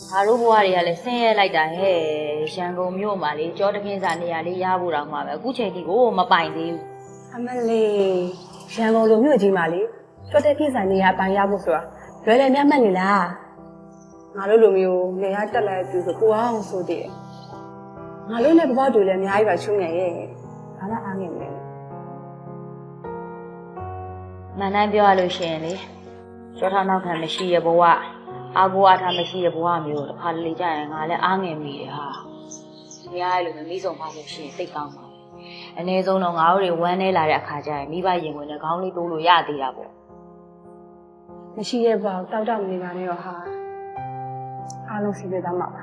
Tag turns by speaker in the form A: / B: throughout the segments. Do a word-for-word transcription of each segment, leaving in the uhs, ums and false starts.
A: ငါတို့ဘဝတွေကလည်းဆင်းရဲလိုက်တာဟဲ့ရန်ကုန်မြို့မှာလေကြောတကင်းစာနေရာလေးရဖို့တောင်မှပဲအခုချိန်ထိကိုမပိုင်သေးဘူး
B: အမလေးရန်ကုန်လိုမြို့ကြီးမှာလေကြောတကင်းစာနေရာပိုင်ရဖို့ဆိုတာလွယ်လွယ်များမှတ်နေလားငါတို့လိုမျိုးနေရာတက်လိုက်သူဆိုကိုအောင်ဆိုတည်ငါတို့နဲ့ဘဘတူလည်းအများကြီးပါချုံနေရဲ့ဘာမှအားငယ်မလဲ
A: မှန်တိုင်းပြောရလို့ရှိရင်လေကြောထောင်းနောက်ခံမရှိရဘဝအာကိုအားထားမရှိရဘဝမျိုးတစ်ခါလေကြာရင်ငါလည်းအားငယ်မိတယ်ဟာမရရလို့မမိဆုံးပါလို့ရှိရင်စိတ်ကောင်းပါအနည်းဆုံးတော့ငါတို့တွေဝမ်းနေလာတဲ့အခါကျရင်မိဘရင်ဝင်နဲ့ခေါင်းလေးတိုးလို့ရသေးတာပေါ့
B: မရှိရဲ့ပေါ့တောက်တောက်နေပါနဲ့တော့ဟာအားလုံးစီးပြသားမှာပါ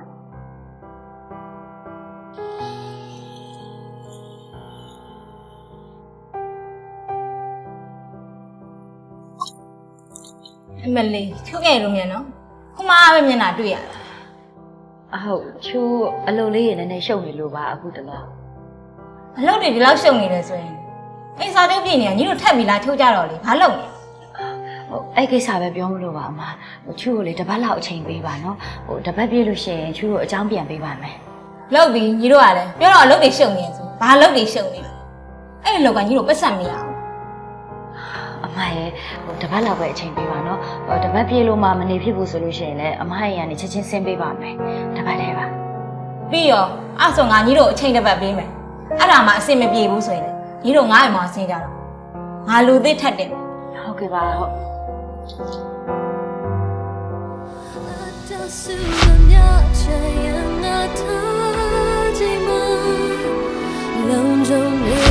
C: အမလေးချူငယ်လို့မြန်နော်ခုမှပဲမျက်နှာတွေ့ရတာ
A: အဟုတ်ချူအလုပ်လေးရနည်းနည်းရှုပ်နေလို့ပါအခုတလား
C: အလုပ်တွေဒီလောက်ရှုပ်နေတယ်ဆိုရင်အိမ်စာတုပ်ပြည်နေညီတို့ထက်ပြီးလားထုတ်ကြတော့လေဘာလုပ်လဲ
A: ဟိုအဲ့ကိစ္စပဲပြောမလို့ပါအမဟိုချူကိုလေတပတ်လောက်အချိန်ပေးပါနော်ဟိုတပတ်ပြည့်လို့ရှိရင်ချူကိုအကြောင်းပြန်ပေးပါမယ်
C: လုပ်ပြီးညီတို့ကလည်းပြောတော့အလုပ်တွေရှုပ်နေဆိုဘာလုပ်တွေရှုပ်နေလဲအဲ့ဒီလောက်ကညီတို့ပတ်စံမရအောင်
A: အမရဲ့ဟိုတပတ်လောက်ပဲအချိန်ပေးပါနော်ဟိုတပတ်ပြည့်လို့မှမနေဖြစ်ဘူးဆိုလို့ရှိရင်လည်းအမရဲ့ရန်နေချက်ချင်းဆင်းပေးပါမယ်တပတ်တည်းပါ
C: ပြီးရောအဲ့ဆိုငါညီတို့အချိန်တစ်ပတ်ပေးမယ်အဲ့ဒါမှအဆင်မပြေဘူးဆိုရင်ညီတို့ငါ့အိမ်မှာဆင်းကြတော့ငါလူသစ်ထက်တယ်
A: ဟုတ်ကဲ့ပါဟုတ်
D: လုံးလုံး